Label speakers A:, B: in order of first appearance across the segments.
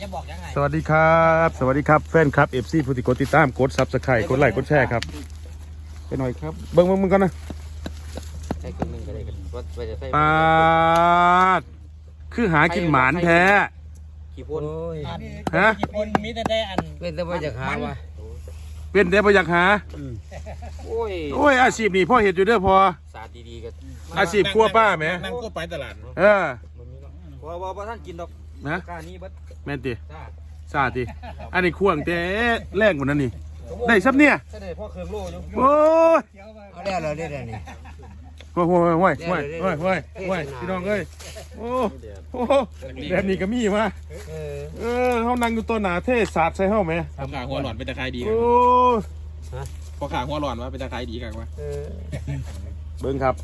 A: บอกยังไง
B: สวัสดีครับสวัสดีครับแฟนครับ FC ผู้ติดกดติดตามกดซับสไครต์กดไลค์กดแชร์ครับไปหน่อยครับเบิ้งมึงกันนะ
A: ใช้คนหนึ่งก็ได้กันว่าจะใช้
B: ปาดคือหากินหมานแท้
A: กี่พ่น
B: ฮะ
A: กี่พ่นมีแต่ได้อันเป็นแต่ว่าจะหาวะ
B: เป็นแต่บ่อยากหา
A: โอ้
B: ยอาชีพนี่พ่อเห็ดอยู่เด้อพอ
A: ศาสตร์ดีๆกัน
B: อาชีพครัวป้าแหม
C: นั่งก็ไปตลาด
A: ว่าท่านกินดอก
B: นะ
A: กานี้บัด
B: แม่นติซาติอันนี้ควงแต่แรงกว่านั้นนี่ได้ซับเนี่ย
A: ได้พ่อเครื่องโล่อยู่
B: โอ้ย
A: เอาได้แล้วได้นี่
B: โอ้ยพี่น้องเอ้ยโอ้แบบนี้ก็มีมาเขานั่งอยู่ตัวหนาเทศาสตร์ใส่เฮ้าไหม
C: พอขาหัวหลอนเป็นตะไคร้ดี
B: โอ้
C: พอขาหัวหลอนว่าเป็นตะไคร้ดีกันวะ
B: เบิ้งครับ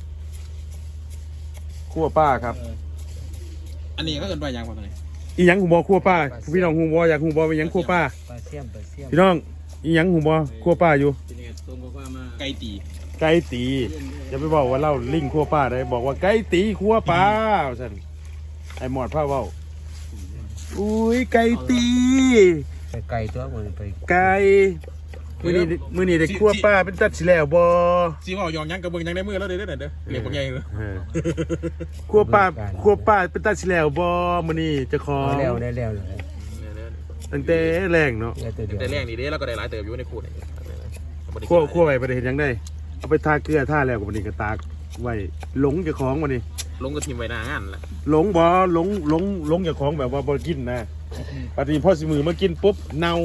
B: ขั้วป้าครับ
C: อันนี้ก็เกินไปยังพอตอนนี้
B: อีหยังหูบอขั้วป้าพี่น้องหูบออยากหูบอไปยังขั้วป้าพี่น้องอีหยังหูบอขั้วป้าอยู่
C: ไก่
B: ตีจะไปบอกว่าเล่าลิงขั้วป้าได้บอกว่าไก่ตีขั้วป้าสันไอหมอดผ้าเว้าอุ้ยไก่ตี
A: ไก่ตัวมันไป
B: ไก่มือนี่ได้ขั้วป้าเป็นตัดสิแล้วบอ
C: ซีว่าหยองยังกระเบื้องยังได้มือแล้วเด้อเด้อเหลี่ยมบางใหญ่เลย
B: ขั้วป้าเป็นตัดสิแล้วบอมือนี่จะขอ
A: แล้วได้แล้ว
B: ตั้งแต่แรงเนาะ
C: แต่แรงนี่เด้แล้วก็ได้หลายเติบอยู่ในคู่นี่
B: ขั้วไว้ประเห็นยังได้เอาไปทาเกลือท่าแล้วกับมันนี่ก็ตากไว้หลงจะคล้องมันนี่
C: ลงก็ทีมไว้หน้างานแหละ
B: หลงบ่หลงจะคล้องแบบว่าบ่กินนะปฏิพ่อสิมือมากินปุ๊บเน่า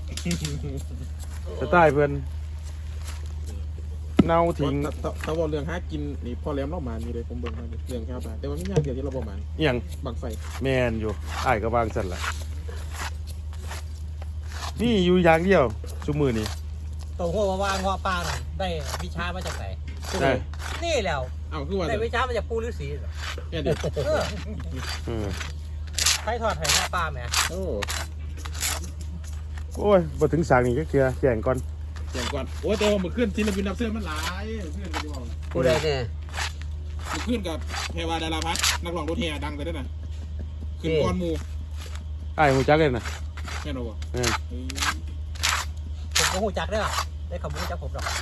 B: จะตายเพื่อนเน่าทิ้ง
C: ถ้าว่าเรื่องหากินนี่พอแล้วเล่ามานี่เลยผมเบิ่งมาเรื่องแค่ไปแต่ว่าไม่ยากเดียวที่เราบอกมา
B: อย่าง
C: บังไฟ
B: แมนอยู่อ้ายก็วางสั่นละนี่อยู่อย่างเดียวชุมือนี่
A: ตัวหัวว่างหัวปลาได้วิชามาจากไหนนี่แล้วได้วิชามาจากปูฤาษี
C: เนี่ยเด็ก
A: ใครทอดไข่หัวปลาไหม
B: โอ้ยมาถึงสางนี่ก็เกลือแข่งก่อน
C: โอ้ยแต่ว่ามันขึ้นทีละบินนับเสื้อมันหลายขึ้นกันดีกว่า
A: กูได้เนี่ย
C: มันขึ้นกับเทวดาราพัฒน์นักร้องรถแห่ดังไปด้วยนะขึ้นก้อนมู
B: ไอ้หูจักเลยนะ
C: แค่นั้นวะ
A: ผมก็หูจักได้หรอได้คำหูจักผมหรอก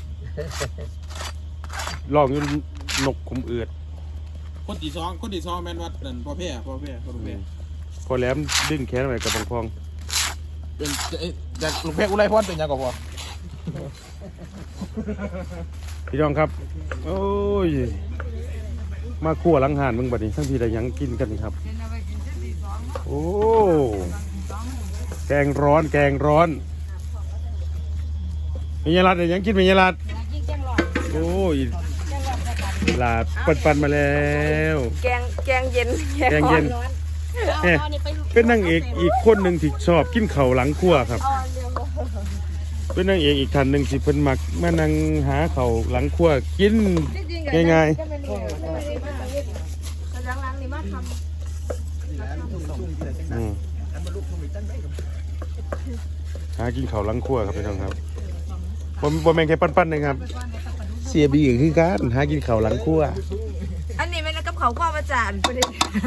B: ลองยืนนกขุมเอือด
C: คนที่สองแมนวัดนั่นพ่อแพร่
B: พอแหลมดึงแขนไปกับบางพอง
C: เป็นจากลุงเพชรอุไรพรเป็นยังก่อนพอ
B: พี่น้องครับโอ้ยมาคั่วหลังหานมึงบัดนี้ทั้งพี่ได้ยังกินกันครับโอ้แกงร้อนมียาลัดได้ยังกินมียาลัดโอ้ยลาปันมาแล้ว
D: แกงเย็น
B: เป็นนางเอกอีกคนหนึ่งที่ชอบกินเข่าหลังครัวครับเป็นนางเอกอีกท่านหนึ่งที่เพิ่นมักมานั่งหาเข่าหลังครัวกินง่ายๆหากินเข่าหลังครัวครับพี่น้องครับบ่แม่งแค่ปั้นๆนะครับเสียบีคือการหากินเข่าหลังครัว
D: อันนี้เป็นกับเขาความอาจารย์ประเด็น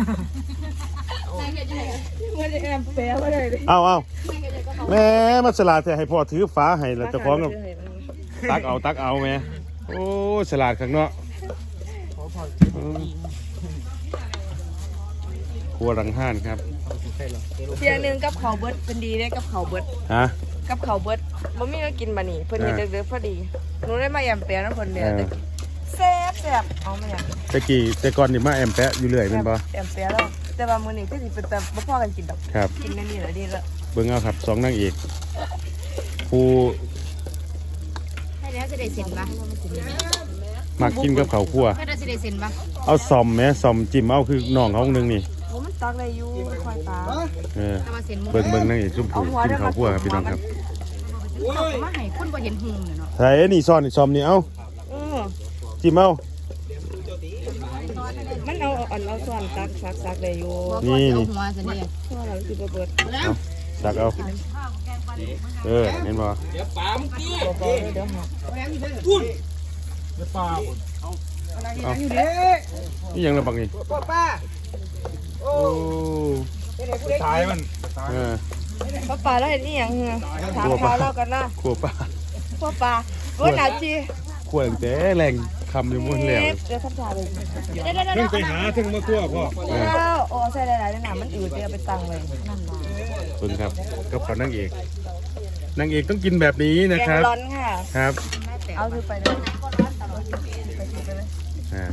B: เอาแม่มาสลาดแต่ให้พ่อถือฟ้าให้แล้วจะคล้องกับตักเอาแม่โอ้สลาดข้างเนาะครัวหลังห้านครับ
D: เพียงนึงกับเขาเบิดเป็นดีได้กับเขาเบิด
B: ฮะ
D: กับเขาเบิดบ่มีก็กินบะนี่เพิ่นเฮ็ดเด้อพอดีหนูได้มาแอมแปะนะเพิ่นเด้อแซ่บเอามาอย่าง
B: แต่ก่อนนี่มาแอมแปะอยู่เรื่อยเป็นบ่
D: แอมแปะแล้วแต่ว่ามื้อนี้คือสิเป็นแต่บ่พอกันกินดอก
B: ครับ
D: กินนั่นนี่แหละดีแล้ว
B: เบิ่งเอาครับ2นางเอกผู้
D: ให้แล้วจะได้เซ็นบ่
B: มักกินกับข้าวคั่ว
D: ให้ได้สิได้เซ็นบ่
B: เอาซ่อมแม่ซ่อมจิ้มเอาคือน้องเฮานึงนี่
D: โอ้มันตักได้อยู่ค่อยตา
B: เบิ่งนางเอกซุ่มผู้กินข้าวคั่วครับพี่น้องครับ
D: มาให้คุณบ่เห็นหุ่งเนาะ
B: ใส่นี่ซ่อนนี่ซ่อมนี่เอาจิ้มเอา
D: มันเอาส่วนซักได้อยู่
B: นี่
D: หัวซะนี่หัวเราสิบ่เบิด
B: ซักเอาเห็นบ่
C: เดี๋ยวปามกี้
D: เดี๋ยว
C: พุ่นเดี๋ยวปาม
B: นี่ยังระบังนี่
A: ป้า
B: โอ้
C: ท้ายมัน
D: พ่อปลาแล้วเห็นอีหยังเหรอถามข่าวเล่ากันนะ
B: ขัวปลา
D: พ่อปลาว่าหนาจี
B: ขัวตั้งแต่แรงคำอยู่หมดแล้ว
D: เดี๋ยวทำชาเลยเดี๋ยว
C: เพิ่งไปหาถึงมาคั่วพ่อ
D: แล้วโอ้ใส่หลายๆในหนามันอืดเดี๋ยวไปตังเลยนั่นมา
B: เพิ่งครับกับเขานางเอกต้องกินแบบนี้นะ
D: แก
B: ครั
D: ง
B: บ
D: ร้อนค่ะ
B: ครับ
D: เอาถือไปเลย
B: อ่า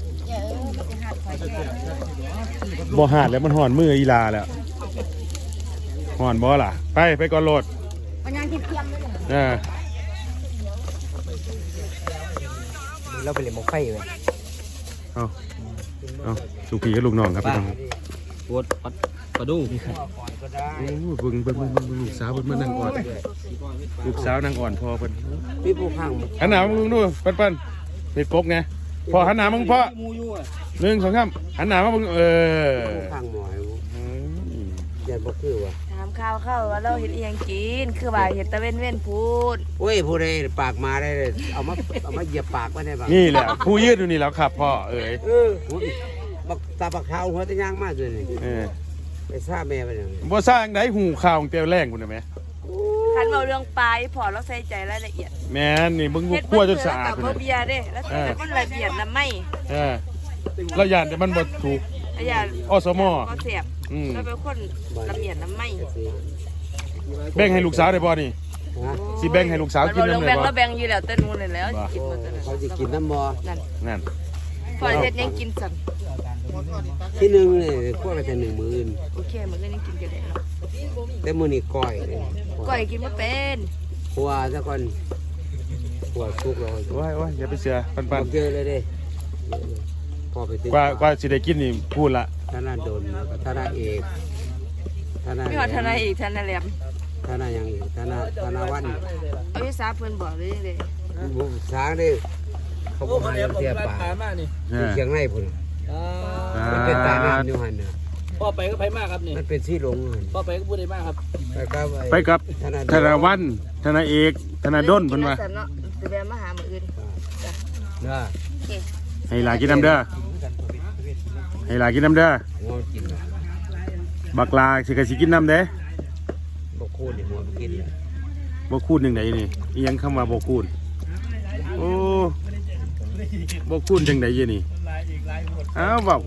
B: บ่หาดแล้วมันห่อนมืออีลาแล้วห่อนบ่ล่ะไปก่อนโหลด
D: มันยังเทียมเลย
A: เราไปเล่นหมกไฟเลย
B: เอาลูกพี่กับลูกน้องครับพี่น้อง
A: ปวดปลาดุ้ง
B: โอ้เบิ่งลูกสาวเพิ่นมานั่งอ่อนลูกสาวนั่งอ่อนพอเพิ่น
A: พี่ผู้ข้าง
B: หันหน้ามึงดูปั้นเป็ดกบไงพอหันหน้ามึงพอ
A: มูยู่อ่ะ
B: 1 2 3หันหน้ามามึง
A: ข้างหมอยเย็นบ่คือว่ะ
D: ถามข่าวเข้าว่าเราเห็นอีหยังกินคือว่าเห็นตะเว้นพูด
A: โอ้ยผู้ใดปากมาได้เลยเอามาเหยียบปากไว้ได้บ้าง
B: นี่แหละผู้ยืดอยู่นี่แล้วครับพ่อ
A: บักตาบักขาวหัวตะย่างมากเลยนี่ไปซ่าแม่ไปอย่างนี้
B: บ่สร้างได้หูข่าวของเตียวแรงพุ่นน่ะแม่
D: คันเราเรื่องปลาพอเราใส่ใจรายละเอียด
B: แม่นนี่มึงคั่วจนสะอาด
D: กับ
B: พุ่น
D: เบี
B: น่ะ
D: ยร์เด้แล้วแต่คนละเอียดละไม่
B: เราย่านแต่มันบ่ถูก
D: อย่า
B: อสม
D: ก็เสียบแล้วเป็นคนละเอียดละไม่
B: แบ่งให้ลูกสาวได้บ่นี่สิแบ่งให้ลูกสาวกิน
D: เรา
B: นำ
D: แบ่
B: ได้
D: ง
B: บ่
D: เราแบ่งอยู่แล้วเต้นมูลเลยแล้วกินหมดเลย
A: เขาจะกินน้ำมอ
B: นั่น
D: พอเฮ็ดยังกินสั่น
A: ที่หนึ่งเนี่ยพวกเราจะ1 มื้ออื่น
D: โอเคมันก็ยังกินกันได้เนาะ
A: แต่มื้อนี้ก้อย
D: ก้อยกินบ่เป็น
A: หัวซะก่อนหัวสุกแล้ว
B: โอ้ยอย่าไปเชื่อปัน
A: เยอะเลยเด้พอไปถึง
B: ๆกว่าสิได้กินนี่พูดละ
A: ธนาดลธนาเอกธนา
D: มีหอดทนายอีกทนายแหลม
A: ธนาอย่างอีกธนาวัน
D: เอาวิสาเพิ่นบอกเลยเด้
A: บุช้างได้เขาบอกให้เทียบปากเชียงในพุ่นมันเป็นตาน้ำอยู่หันน่ะ
E: พ่อไปก็ไปมากครับนี่
A: มันเป็นซี่หลงหัน
E: พ่อไปก็พูดได้มากครับ
B: ไปกับธนาวันธนาเอกธนาดลเพิ่นว่า
D: เนาะสิแวะมาหามื้ออื่น
A: นะ
B: ให้หลานกินน้ำเด้อให้หลานกินน้ำเด้อ
A: หัวกิน
B: บักลาสิก็สิกินน้ำเด้
A: บกโคตรหัวกิน
B: บ่คูณจังไดนี่อีหยังคำว่าบ่คูณโอ้บ่คูณจังไดยี่นี่อ้าวเว้า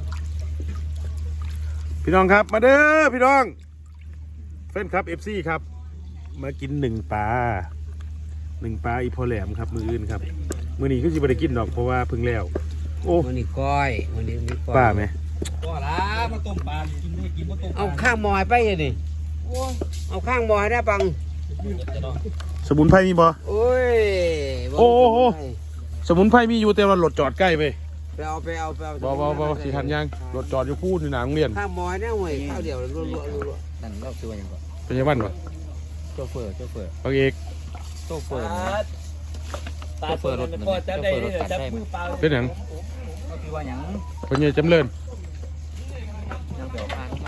B: พี่น้องครับมาเด้อพี่น้องแฟนครับ FC ครับมากิน1 ปลาอีพอแหลมครับมื้ออื่นครับมื้อนี้คือสิบ่ได้กินดอกเพราะว่าเพิ่งแล้วโอ้
A: วันนี้ก้อยวันนี้มีก้อย
B: ป้าไหม
E: พ่อละมาต้มปลากินได้กินมาต้ม
A: เอาข้างมอยไปเลยดิเอาข้างมอยได้ปัง
B: สมุนไพรมีบ่
A: โอ้ย
B: โอ้โห สมุนไพรมีอยู่แต่ว่ารถจอดใกล้ไป
A: ไปเอา
B: บ่สิทันยังรถจอดอยู่พูดอยู่หน้าโรงเรียน
A: ข้างมอยเนี่ยห่วยข้าวเดียวรัว
E: นั่นเราคือว่าอย่างก่อน
B: เป็นยังบ้านบ่
E: โชเฟอร์
B: บางเอก
E: โชเฟอร์ตาเปิดรถพ่อจับได้จับมือเปล่า
B: เป็นหยัง
E: ก็คือว่าอย่าง
B: เป็นยังจำเริญ
E: ยังเปล่าพาเข้ามา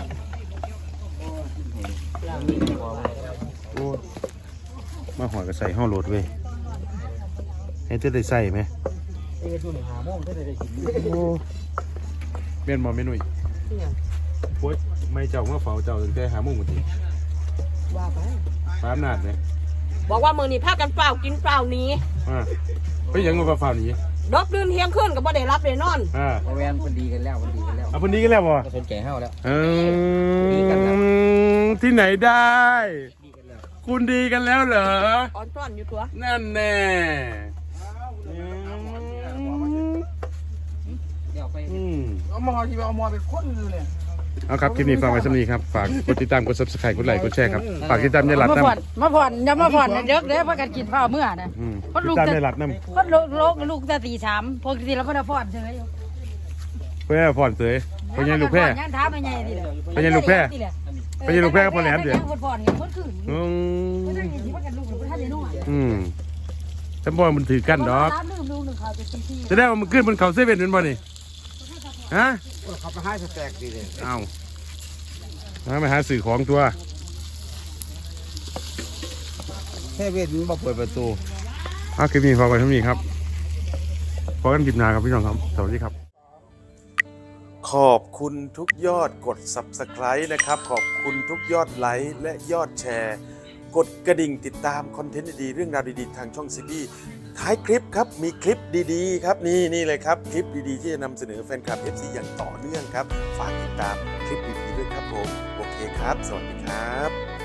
B: โอ้มาหอยก็ใส่ห่อรถเว้ยให้เธอได้ใส่ไหม
E: เอ๊ะช่วงหาโมงก็ได้กิน
B: โอ้เมียนบ่แม่นุ่ยโอ้ยไม่เจ้ามาเฝ้าเจ้าตั้งแต่5 โมงกว่าที
D: ว่าไป
B: ฟ้าอำนาจเนี่ย
F: บอกว่ามือนี้พากันเปล่ากินเปล่าหนี้
B: ไปยังมาเฝ้านี้
F: ดอกดื่นเที่ยงคืนก็บ่ได้รับได้นอน
E: แวนคนดีกันแล้ว
B: เอาคนนี้กันแล้วบ่
E: ก็สนใจเฮาแล้ว
B: ที่ไหนได้ คุณดีกันแล้วเหรอ
F: อ่อนต้อนอยู่ตัว
B: นั่นแน่
E: เอามาที่เอามาเป็นคนเลยเนี่ย
B: เอาครับคลิปนี้ฝากไว้สำนีครับฝากกดติดตามกด subscribe กดไลค์กดแชร์ครับฝากติดตามยายหลัดน้ำ
G: มาผ่อนอย่ามาผ่อนเด็กเด้อพากันกินข้าวเมื่อนะ
B: ติดตามยายหลัดน้ำ
G: คนลูกแต่ตี3ปกติเราไม่ได้ผ่อนเฉยอยู่
B: เพื่อผ่อนเสยเป็นยังลูกแพร่
G: ยังถามไม่ใหญ่ดิเลย
B: เป็นยังลูกแพร่เป็นยังลูกแพร่กับพ่อแหลมเดี๋ยว
G: ผ่อนกันคนคืนไม่ได้ยินที่ว่ากันลูกหรือท่านจะนุ่ง
B: ฉันบอกมันถือกันดอก
G: ลืมลูกหนึ่งเขาจะซี
B: จะได้ว่ามันขึ้นบนเขาเซเว่นเป็นบ่นี่ฮะ
A: เขาไปให้สแต็กดีเลย
B: เอามาหาสื่อของตัว
A: แค่เวทมันมาเปิดประตู
B: เอาคลิปนี้ฝากไว้เท่านี้ครับพอกันคลิปหน้าครับพี่น้องครับสวัสดีครับขอบคุณทุกยอดกด Subscribe นะครับ ขอบคุณทุกยอดไลค์และยอดแชร์ กดกระดิ่งติดตามคอนเทนต์ดีๆเรื่องราวดีๆทางช่องซีบีท้ายคลิปครับมีคลิปดีๆครับนี่เลยครับคลิปดีๆที่จะนำเสนอแฟนคลับ FC อย่างต่อเนื่องครับฝากติดตามคลิปดีๆด้วยครับผมโอเคครับสวัสดีครับ